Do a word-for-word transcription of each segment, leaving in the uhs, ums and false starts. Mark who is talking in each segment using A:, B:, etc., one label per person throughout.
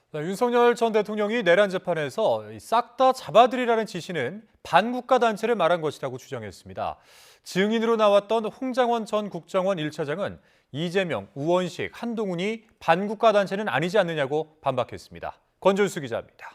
A: 네, 윤석열 전 대통령이 내란 재판에서 싹 다 잡아들이라는 지시는 반국가 단체를 말한 것이라고 주장했습니다. 증인으로 나왔던 홍장원 전 국정원 일 차장은 이재명, 우원식, 한동훈이 반국가 단체는 아니지 않느냐고 반박했습니다. 권준수 기자입니다.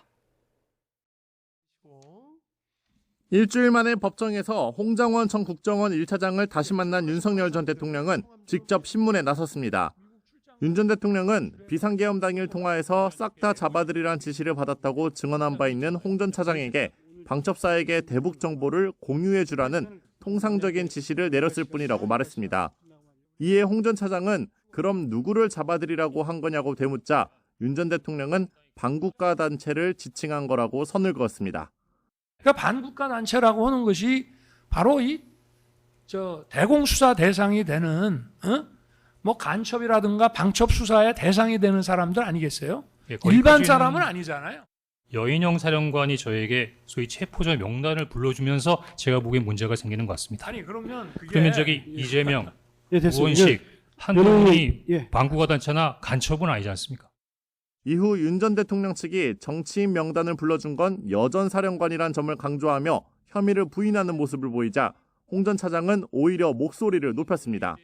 B: 일주일 만에 법정에서 홍장원 전 국정원 일 차장을 다시 만난 윤석열 전 대통령은 직접 신문에 나섰습니다. 윤 전 대통령은 비상계엄 당일 통화에서 싹 다 잡아들이란 지시를 받았다고 증언한 바 있는 홍 전 차장에게 방첩사에게 대북 정보를 공유해 주라는 통상적인 지시를 내렸을 뿐이라고 말했습니다. 이에 홍 전 차장은 그럼 누구를 잡아들이라고 한 거냐고 되묻자 윤 전 대통령은 반국가 단체를 지칭한 거라고 선을 그었습니다.
C: 그러니까 반국가 단체라고 하는 것이 바로 이 저 대공수사 대상이 되는 어? 뭐 간첩이라든가 방첩 수사의 대상이 되는 사람들 아니겠어요?
D: 예,
C: 일반 사람은 아니잖아요.
D: 여인영 사령관이 저에게 소위 체포자 명단을 불러주면서 제가 보기엔 문제가 생기는 것 같습니다.
C: 아니 그러면 그게
D: 그러면 저기 이재명,
E: 예, 됐습니다.
D: 우원식, 한동훈이
E: 예.
D: 반국가 단체나 간첩은 아니지 않습니까?
B: 이후 윤 전 대통령 측이 정치인 명단을 불러준 건 여전 사령관이란 점을 강조하며 혐의를 부인하는 모습을 보이자 홍 전 차장은 오히려 목소리를 높였습니다.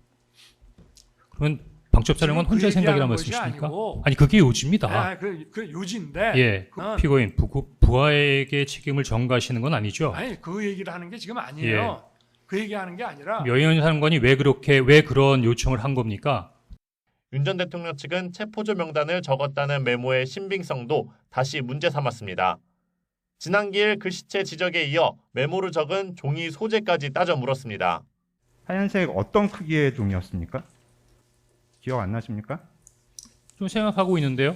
D: 그러면 방첩사령관 혼자
C: 그
D: 생각이란
C: 얘기하는 것이
D: 말씀이십니까?
C: 아니고.
D: 아니 그게 요지입니다.
C: 아, 그, 그 요지인데
D: 예,
C: 그건-
D: 피고인 부, 부하에게 책임을 전가하시는 건 아니죠?
C: 아니 그 얘기를 하는 게 지금 아니에요. 그 얘기하는 게 아니라
D: 여인 사령관이 왜 그렇게 왜 그런 요청을 한 겁니까?
B: 윤 전 대통령 측은 체포조 명단을 적었다는 메모의 신빙성도 다시 문제 삼았습니다. 지난 기일 글씨체 지적에 이어 메모를 적은 종이 소재까지 따져 물었습니다.
F: 하얀색 어떤 크기의 종이었습니까? 기억 안 나십니까?
D: 좀 생각하고 있는데요.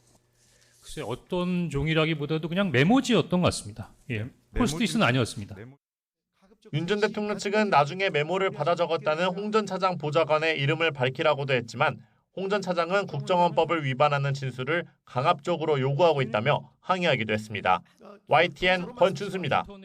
D: 글쎄 어떤 종이라기보다도 그냥 메모지였던 것 같습니다. 예, 포스트잇은 아니었습니다.
B: 윤 전 대통령 측은 나중에 메모를 받아 적었다는 홍 전 차장 보좌관의 이름을 밝히라고도 했지만 홍 전 차장은 국정원법을 위반하는 진술을 강압적으로 요구하고 있다며 항의하기도 했습니다. 와이티엔 권준수입니다.